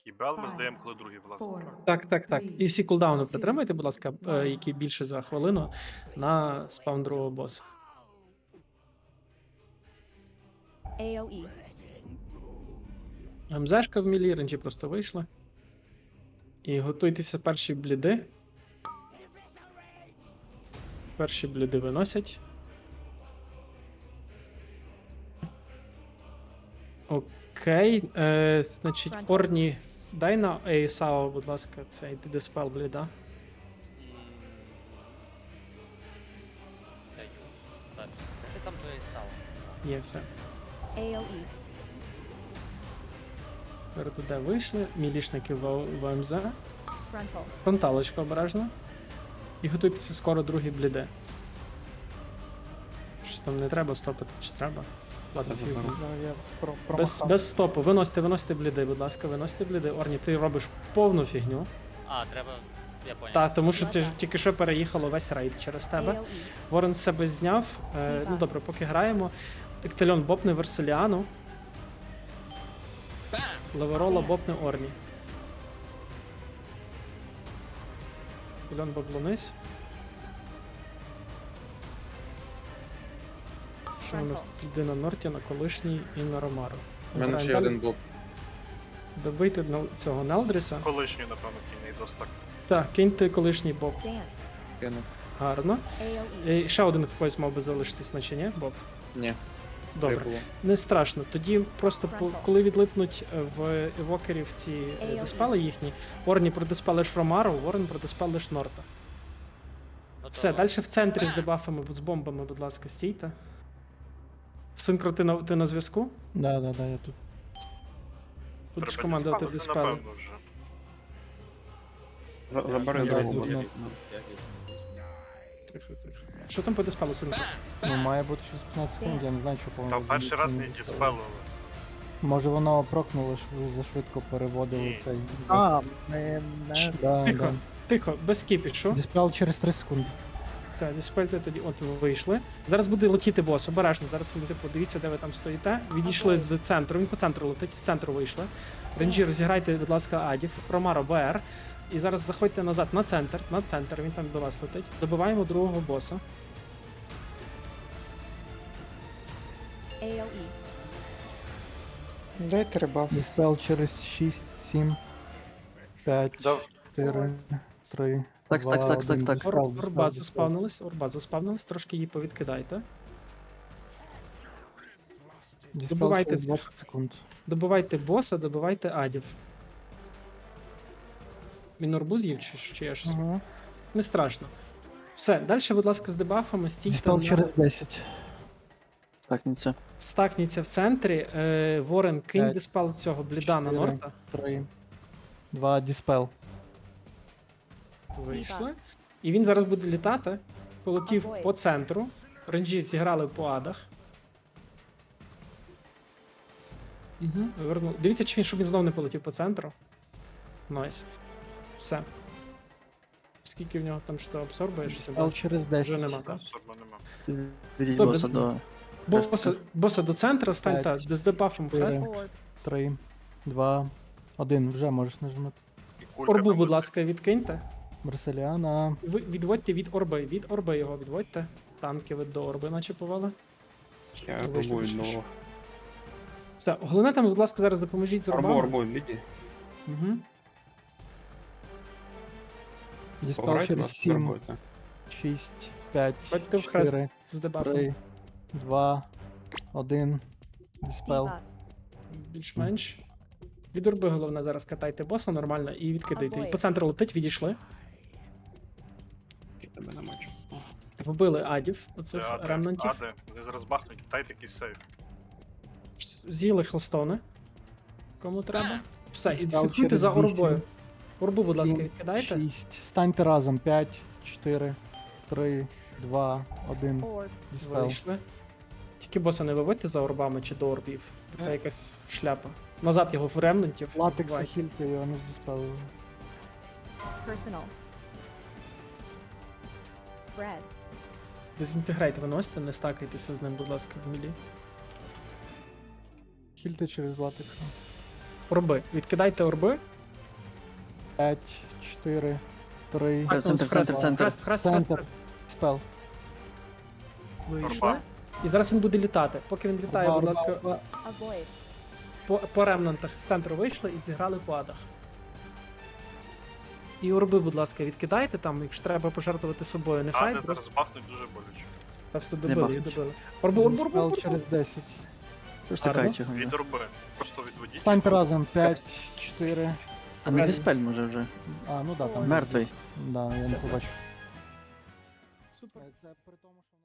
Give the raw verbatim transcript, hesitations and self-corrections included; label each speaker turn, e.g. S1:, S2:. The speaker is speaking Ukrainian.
S1: І бел ми здаємо, коли другий влазить.
S2: Так, так, так. І всі кулдауни притримайте, будь ласка, е, які більше за хвилину на спаун другого боса.
S3: AoE.
S2: МЗшка в мілі, ренджі просто вийшли. І готуйтеся перші бліди. Перші бліди виносять. Окей. Е, значить, Орні, дай на Ейсао, будь ласка, цей диспел бліда.
S4: М, Даю. Так. Де там твоє сало?
S2: Є все.
S3: AoE.
S2: РТД вийшли, мілішники в, в МЗ.
S3: Frontal.
S2: Фронталочка обережно. І готуйтеся скоро другі бліди. Щось там не треба стопити, чи треба? Ладно, фіг з ним.
S5: Ну, я про-
S2: Без,
S5: промахав.
S2: без стопу. Виносите, виносите бліди, будь ласка, виносите бліди. Орні, ти робиш повну фігню.
S4: А, треба. Я понял.
S2: Та, тому що ти ж тільки що переїхало весь рейд через тебе.
S3: AoE.
S2: Ворон з себе зняв. Е, ну добре, поки граємо. Ектельон бопне Верселіану. Леверола бопне Орні. Ектельон баблонись. Що у нас йде на Норті, на колишній і на Ромару.
S6: У мене ще один блок.
S2: Добийте на- цього Нелдріса.
S1: Колишній, напевно, кінний достак.
S2: Так, киньте колишній боб.
S3: Dance.
S6: Кину.
S2: Гарно.
S3: AoE.
S2: І ще один в когось мав би залишитись, наче ні, Боб?
S6: Ні,
S2: Добре.
S6: три було.
S2: Не страшно. Тоді просто по- коли відлипнуть е, в евокерів ці е, диспели їхні, Орні продиспелиш Ромару, Ворон продиспелиш Норта.
S4: Готово.
S2: Все, далі в центрі з дебафами, з бомбами, будь ласка, стійте. Синкро, ти на, ти на зв'язку?
S5: Да, да, да, я тут.
S2: Будеш
S1: Треба
S2: командувати
S1: диспелити,
S2: диспели.
S1: напевно, вже.
S6: За- Забери
S5: Давай,
S6: другу.
S5: ну,
S2: Тихо, тихо. Що там по диспелу, Синкро?
S5: ну, має бути через п'ятнадцять секунд, я не знаю, що по-моєму.
S1: Та перший раз не
S5: звідси
S1: діспелили.
S5: Може воно прокнуло, що ви зашвидко переводили
S1: Ні.
S5: цей.
S7: А, не, не.
S5: Да,
S2: Тихо,
S5: да.
S2: тихо, без кіпішу.
S5: Диспел через три секунди.
S2: Так, диспельте тоді, от ви вийшли. Зараз буде летіти бос, обережно. Зараз ви типу, дивіться, де ви там стоїте. Відійшли з центру, він по центру летить, з центру вийшли. Ренджі, розіграйте, будь ласка, Адів, Ромаро, БР. І зараз заходьте назад на центр, на центр, він там до вас летить. Добиваємо другого боса.
S3: AoE.
S7: Дайте рибав.
S5: Диспел через шість, сім, п'ять,
S1: Да.
S5: чотири, три.
S8: Так, так, так, так, так.
S2: Ор, орба заспавнилась, орба заспавнилась, трошки її повідкидайте.
S5: Диспел
S2: Добивайте
S5: через
S2: цих.
S5: двадцять секунд.
S2: Добивайте боса, добивайте Адів. Він орбу з'їв чи, чи я щось?
S7: Угу.
S2: Не страшно. Все, далі, будь ласка, з дебафами, стійте.
S5: Диспел
S2: на-
S5: через десять.
S8: Стакніться.
S2: Стакніться в центрі. Е, Ворен, кинь
S5: П'ять,
S2: диспел цього бліда на
S5: чотири.
S2: Норта.
S5: три, два, диспел.
S2: Вийшли. І він зараз буде літати. Полетів
S3: Avoid.
S2: по центру. Ренджі зіграли по адах. Угу, вернув. Дивіться, чи він, щоб він знов не полетів по центру. Найс. Все. Скільки в нього там що абсорбуєш?
S5: Диспел через
S2: Вже
S5: десять.
S2: нема, так?
S1: Особо нема.
S8: Відійдіть
S2: Добре,
S8: боса
S2: з-
S8: до.
S2: Боса, боса до центру, стань
S5: П'ять,
S2: та, з дебафом
S5: чотири.
S2: хрест.
S3: Orb.
S5: три, два, один. Вже можеш нажимати.
S1: І кулька
S2: Орбу,
S1: там
S2: будь
S1: буде.
S2: ласка, відкиньте.
S5: Марселіана.
S2: Ви відводьте від орби, від орби його відводьте. Танки ви до орби наче повели.
S6: Я
S2: Вийшли,
S6: арбую
S2: вийшли.
S6: нового.
S2: Все, головне там, будь ласка, зараз допоможіть з
S6: Арбу,
S2: орбами.
S6: арбу, відійди.
S2: Угу.
S5: Диспел
S6: Пограйте
S5: через
S6: вас,
S5: сім,
S6: арбуйте.
S5: шість, п'ять,
S2: Бачите в хрест
S5: чотири,
S2: з дебафом.
S5: три, два, один. Диспел.
S3: Debuff.
S2: Більш-менш. Від орби головне зараз катайте боса нормально і відкидайте. І по центру летить, відійшли.
S6: Я тебе не бачу. О,
S2: Вбили адів,
S1: Це
S2: оцих
S1: ади,
S2: ремнантів.
S1: ади. Вони зараз бахнуть, дайте якийсь сейв.
S2: З'їли хелстони. Кому треба. Все, і
S5: Спал
S2: слідкуйте
S5: через
S2: за
S5: вісім.
S2: орбою. Орбу, будь ласка,
S5: Сім,
S2: відкидайте.
S5: шість. Станьте разом. п'ять, чотири, три, два, один.
S3: Orb.
S5: Диспел.
S2: Вийшли. Тільки боса не виводьте за орбами чи до орбів. Це якась шляпа. Назад його в ремнантів.
S5: Латекса
S2: Бувай.
S5: хільте, його не здиспелили.
S3: Personal. Spread.
S2: Дезінтегрейт виносите, не стакайтеся з ним, будь ласка, в мілі.
S5: Хільте через латекса.
S2: Орби. Відкидайте орби.
S5: п'ять, чотири, три,
S2: Так,
S8: центр,
S2: ну, хрест,
S8: центр, центр.
S2: Хрест, хрест, хрест,
S5: Центр.
S2: хрест.
S5: спел.
S2: Вийшли.
S1: Орба.
S2: І зараз він буде літати. Поки він літає,
S5: Орба,
S2: будь
S5: орба,
S2: ласка,
S5: орба.
S3: Avoid.
S2: по, по ремнантах з центру вийшли і зіграли по адах. І орби, будь ласка, відкидайте там, якщо треба пожертвувати собою. Нехай
S1: Ади
S2: просто
S1: зараз бахнуть дуже боляче.
S2: та все
S8: Не
S2: добили, їх
S8: бахнуть.
S2: добили. Орбу, орбу, орбу,
S5: Спел
S2: орбу.
S5: через десять.
S8: Тож
S2: Гарно.
S8: тикають його.
S1: Від
S8: да.
S1: орби. Просто відведіть.
S5: Станьте разом. п'ять, чотири.
S8: А не диспель може вже.
S5: А, ну да, там.
S8: Мертвий.
S5: Да, я не побачив.
S2: Супер.
S5: Це при тому, що.